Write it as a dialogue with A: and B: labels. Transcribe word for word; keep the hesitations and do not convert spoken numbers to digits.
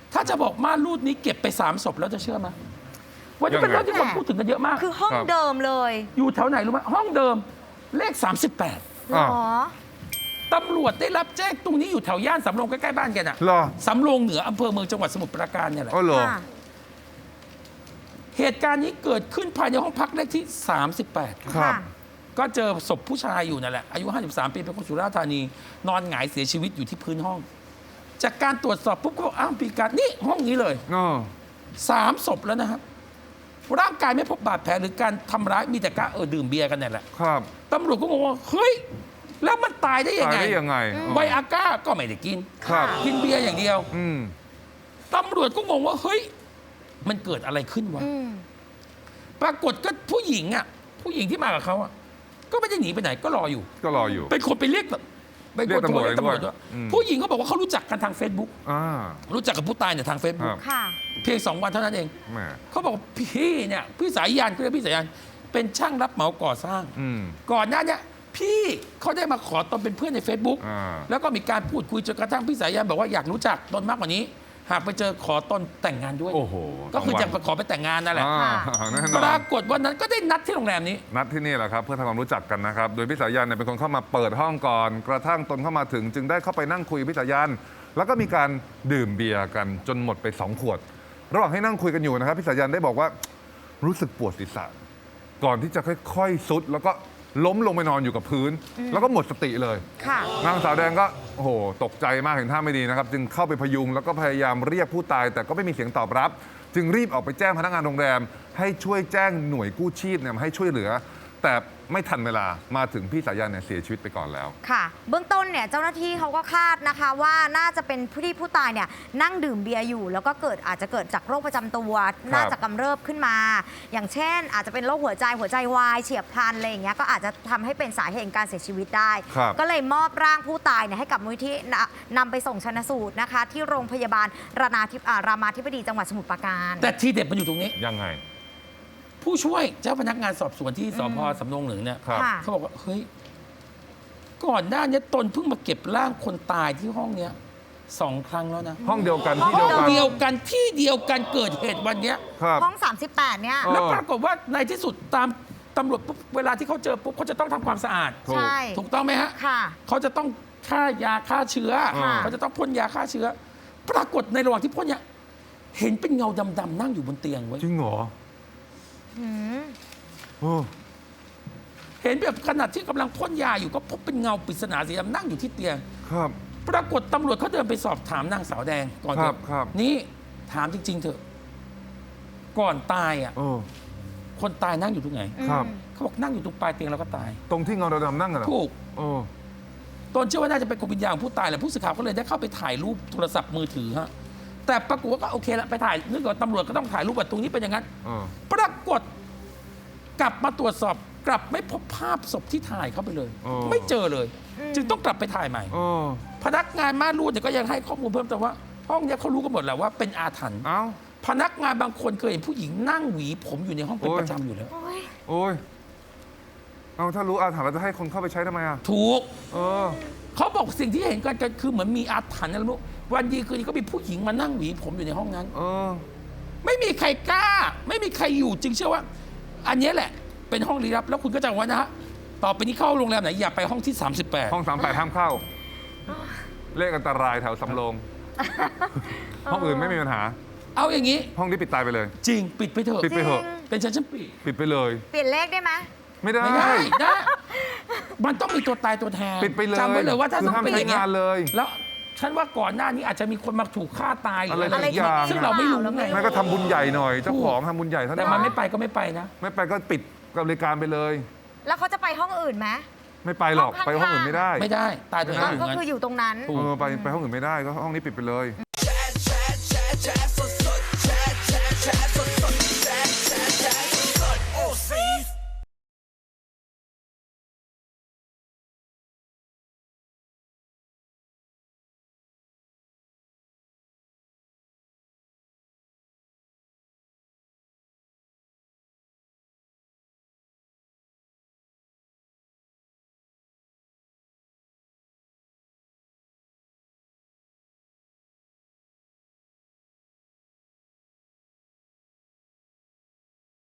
A: ถ้าจะบอกม่านรูดนี้เก็บไปสามศพแล้วจะเชื่อไหมวันนี้เป็นเรื่องที่คนพูดถึงกันเยอะมาก
B: คือห้องเดิมเลย
A: อยู่แถวไหนรู้ไหมห้องเดิมเลขสามสิบแปด
B: หรอ
A: ตำรวจได้รับแจ้งตรงนี้อยู่แถวย่านสำโรงใกล้ๆบ้านแกน่ะ
C: เหรอ
A: สำโรงเหนืออำเภอเมืองจังหวัดสมุทรปราการเนี่ยแหละ
C: อ๋อเหรอ
B: ค่ะ
A: เหตุการณ์นี้เกิดขึ้นภายในห้องพักเลขที่สามสิบแปด
C: ครับ
A: ก็เจอศพผู้ชายอยู่นั่นแหละอายุห้าสิบสามปีเป็นคนสุราษฎร์ธานี นอนหงายเสียชีวิตอยู่ที่พื้นห้อง จากการตรวจสอบปุ๊บก็บอกอ้าวปีการนี่ห้องนี้เลย
C: อ๋อ
A: สามศพแล้วนะครับร่างกายไม่พบบาดแผลหรือการทำร้ายมีแต่การเออดื่มเบียร์กันเนี่ยแหละ
C: ครับ
A: ตำรวจก็งงว่าเฮ้ยแล้วมันตายได้ยัง
C: ตาย
A: ไง
C: ได้ยังไง
A: ไวอาก้าก็ไม่ได้กิน
C: ครับ
A: กินเบียร์อย่างเดียว
C: อืม
A: ตำรวจก็งงว่าเฮ้ยมันเกิดอะไรขึ้นวะ
B: อืม
A: ปรากฏก็ผู้หญิงอ่ะผู้หญิงที่มากับเขาอ่ะก็ไม่ได้หนีไปไหนก็รออยู่
C: ก็รออยู่
A: เป็นคนไปเรียกแบบเป็น
C: เรี
A: ค
C: ย
A: น
C: กตำรวจ
A: โทเรียกตำรวจ
C: ด้
A: ด้
C: ว
A: วย ย
C: อืม
A: ผู้หญิงเขาบอกว่าเขารู้จักกันทาง Facebook
C: อ่า
A: รู้จักกับผู้ตายเนี่ยทาง Facebook
C: ครับ
B: ค่ะ
A: เพียงสองวันเท่านั้นเอง
C: แหม
A: เขาบอกพี่เนี่ยพี่สายยานเขาเรียกพี่สายยานเป็นช่างรับเหมาก่อสร้าง
C: อืม
A: ก่อนหน้าเนี้พี่เขาได้มาขอตนเป็นเพื่อนใน Facebook
C: อ่า
A: แล้วก็มีการพูดคุยจนกระทั่งพี่สายยานบอกว่าอยากรู้จักตนมากกว่านี้ หากไปเจอขอตนแต่งงานด้วย
C: โอ้โห
A: ก็คือ
C: สง
A: จะ
C: วัน
A: ขอไปแต่งงานนั่นแหละ
C: อ่าแน่น
A: ป
C: อน
A: รากฏวันนั้นก็ได้นัดที่โรงแรมนี้
C: นัดที่นี่แหละครับเพื่อทำความรู้จักกันนะครับ โดยพี่สายันเนี่ยเป็นคนเข้ามาเปิดห้องก่อน กระทั่งตนเข้ามาถึง จึงได้เข้าไปนั่งคุยกับพี่สายัน แล้วก็มีการดื่มเบียร์กันจนหมดไปสองขวด ระหว่างให้นั่งคุยกันอยู่นะครับพี่สายันได้บอกว่ารู้สึกปวดศีรษะก่อนที่จะค่อยๆซุด แล้วก็ล้มลงไปนอนอยู่กับพื้น แล้วก็หมดสติเลย
B: ค่ะ
C: นางสาวแดงก็โอ้โหตกใจมากเห็นท่าไม่ดีนะครับ จึงเข้าไปพยุงแล้วก็พยายามเรียกผู้ตาย แต่ก็ไม่มีเสียงตอบรับ จึงรีบออกไปแจ้งพนักงานโรงแรม ให้ช่วยแจ้งหน่วยกู้ชีพเนี่ยมาให้ช่วยเหลือ แต่ไม่ทันเวลามาถึงพี่สายันเนี่ยเสียชีวิตไปก่อนแล้ว
B: ค่ะ เบื้องต้นเนี่ยเจ้าหน้าที่เขาก็คาดนะคะว่าน่าจะเป็นผู้ที่ผู้ตายเนี่ยนั่งดื่มเบียร์อยู่ แล้วก็เกิดอาจจะเกิดจากโรคประจำตัว น่าจะกำเริบขึ้นมา อย่างเช่น อาจจะเป็นโรคหัวใจหัวใจวายเฉียบพลันอะไรอย่างเงี้ยก็อาจจะทำให้เป็นสาเหตุการเสียชีวิตได้
C: ครับ
B: ก็เลยมอบร่างผู้ตายเนี่ยให้กับมูลที่นำไปส่งชันสูตรนะคะ ที่โรงพยาบาลรามาธิอ่ารามาธิบดีจังหวัดสมุทรปราการ
A: แต่ทีเด็ดมันอยู่ตรงนี้
C: ยังไง
A: ผู้ช่วยเจ้าพนักงานสอบสวนที่สพสำโรงเหนือเนี่ย
C: ครับ
B: ค่ะ
A: เขาบอกว่าเฮ้ยก่อนหน้านี้ตนเพิ่งมาเก็บร่างคนตายที่ห้องเนี้ยสองครั้งแล้วนะ
C: ห้องเดียวกันที่
A: ห้
C: เดียว
A: อง
C: กัน
A: เดียวกันที่เดียวกันเกิดเหตุวันเนี้ย
C: ครับ
B: ห้อง สามสิบแปด เนี่ย
C: เออ
A: แล้วปรากฏว่าในที่สุดตามตำรวจปุ๊บเวลาที่เขาเจอปุ๊บเขาจะต้องทำความสะอาด
C: ถูก
B: ใช่
A: ถูกต้องไหมฮะ
B: ค่ะ
A: เขาจะต้องฆ่ายาฆ่าเชื้อ
C: ค่ะ
A: เขาจะต้องพ่นยาฆ่าเชื้อ ปรากฏในระหว่างที่พ่นเนี่ยเห็นเป็นเงาดำๆนั่งอยู่บนเตียงไว้ย
C: จริงเหรอ
B: อืม
C: โอ้
A: เห็นแบบขนาดที่กำลังพ่นยาอยู่ก็พบเป็นเงาปริศนาสีดำนั่งอยู่ที่เตียง
C: ครับ
A: ปรากฏตำรวจเขาเดินไปสอบถามนางสาวแดงก่อน
C: ครับ
A: เถอะ
C: ครับ
A: นี่ถามจริง ๆ เถอะ ก่อนตายอ่ะ
C: โอ้
A: คนตายนั่งอยู่ตรงไหน
C: ครับ
A: เขาบอกนั่งอยู่ตรงปลายเตียงแล้วก็ตาย
C: ตรงที่เงาดำๆนั่งกันเหรอ
A: ถูก
C: โอ้
A: ตนเชื่อว่าน่าจะเป็นกลุ่มวิญญาณของผู้ตายแหละผู้สื่อข่าวก็เลยได้เข้าไปถ่ายรูปโทรศัพท์มือถือฮะแต่ปรากฏว่าก็โอเคละไปถ่ายนึกว่าตำรวจก็ต้องถ่ายรูปว่าตรงนี้เป็นอย่างนั้น
C: เออ
A: ปรากฏกลับมาตรวจสอบกลับไม่พบภาพศพที่ถ่ายเข้าไปเลย
C: อ๋อ
A: ไม่เจอเลย
B: อืม
A: จึงต้องกลับไปถ่ายใหม่
C: โอ้
A: พนักงานม่านรูดเนี่ยก็ยังให้ข้อมูลเพิ่มเติมว่า ห้องเนี้ยเขารู้กันหมดแล้วว่าเป็นอาถรรพ์
C: เอ้า
A: พนักงานบางคนเคยเห็นผู้หญิงนั่งหวีผมอยู่ในห้องเป็น
C: โอ้ย
A: ประจำอยู่แล้ว
B: โอ้ย
C: โอ้ย เอาถ้ารู้อาถรรพ์เราจะให้คนเข้าไปใช้ทำไมอ่ะ
A: ถูก
C: เออ
A: เขาบอกสิ่งที่เห็นกันกันคือเหมือนมีอาถรรพ์อะไรไม่รู้วันดีคืนนี้ก็มีผู้หญิงมานั่งหวีผมอยู่ในห้องนั้น
C: เออ
A: ไม่มีใครกล้า ไม่มีใครอยู่จึงเชื่อว่า อันเนี้ยแหละ เป็นห้องลี้ลับแล้วคุณก็จำไว้นะฮะต่อไปนี้เข้าโรงแรมไหนอย่าไปห้องที่ สามสิบแปด
C: ห้องสามแปดห้ามเข้า เลขอันตรายแถวสำโรง ห้องอื่นไม่มีปัญหา
A: เอาอย่างนี้
C: ห้องนี้ปิดตายไปเลย
A: จริงปิดไปเถอะ
C: ปิดไปเถอะ
A: เป็นฉันฉันปิด
C: ปิดไปเลย
B: เปลี่ยนเลขได้ไหม
C: ไม่ได้
A: ไม่ได้นะมันต้องมีตัวตายตัวแทน
C: ปิดไปเลย
A: จำไว้เลยว่าถ้า
C: คือ
A: ต้อง
C: ห้าม
A: เป็นอย่างเงี้ย
C: ใช้งานเลย
A: แล้วฉันว่าก่อนหน้านี้อาจจะมีคนมาถูกฆ่าตายหรืออะไร
C: อะไร
A: อย่างเงี้
C: สักอย ย่าง
A: ซึ่งเราไม่รู้ไง
C: ไม่ก็ทำบุญใหญ่หน่อย เจ้าของทำบุญใหญ่เท่า
A: แต่
C: นั้น
A: มันไม่ไปก็ไม่ไปนะ
C: ไม่ไปก็ปิดกับบริการไปเลย
B: แล้วเขาจะไปห้องอื่นไหม
C: ไม่ไปหรอก
B: ห้องข้างๆ
C: ไปห้องอื่นไม่ได้
A: ไม่ได้ตายตัวเอง
B: ก็
A: อยู่
B: ก็
A: งั้น
B: คืออยู่ตรงนั้น
A: ถูก
C: เออไปไปห้องอื่นไม่ได้ก็ห้องนี้ปิดไปเลย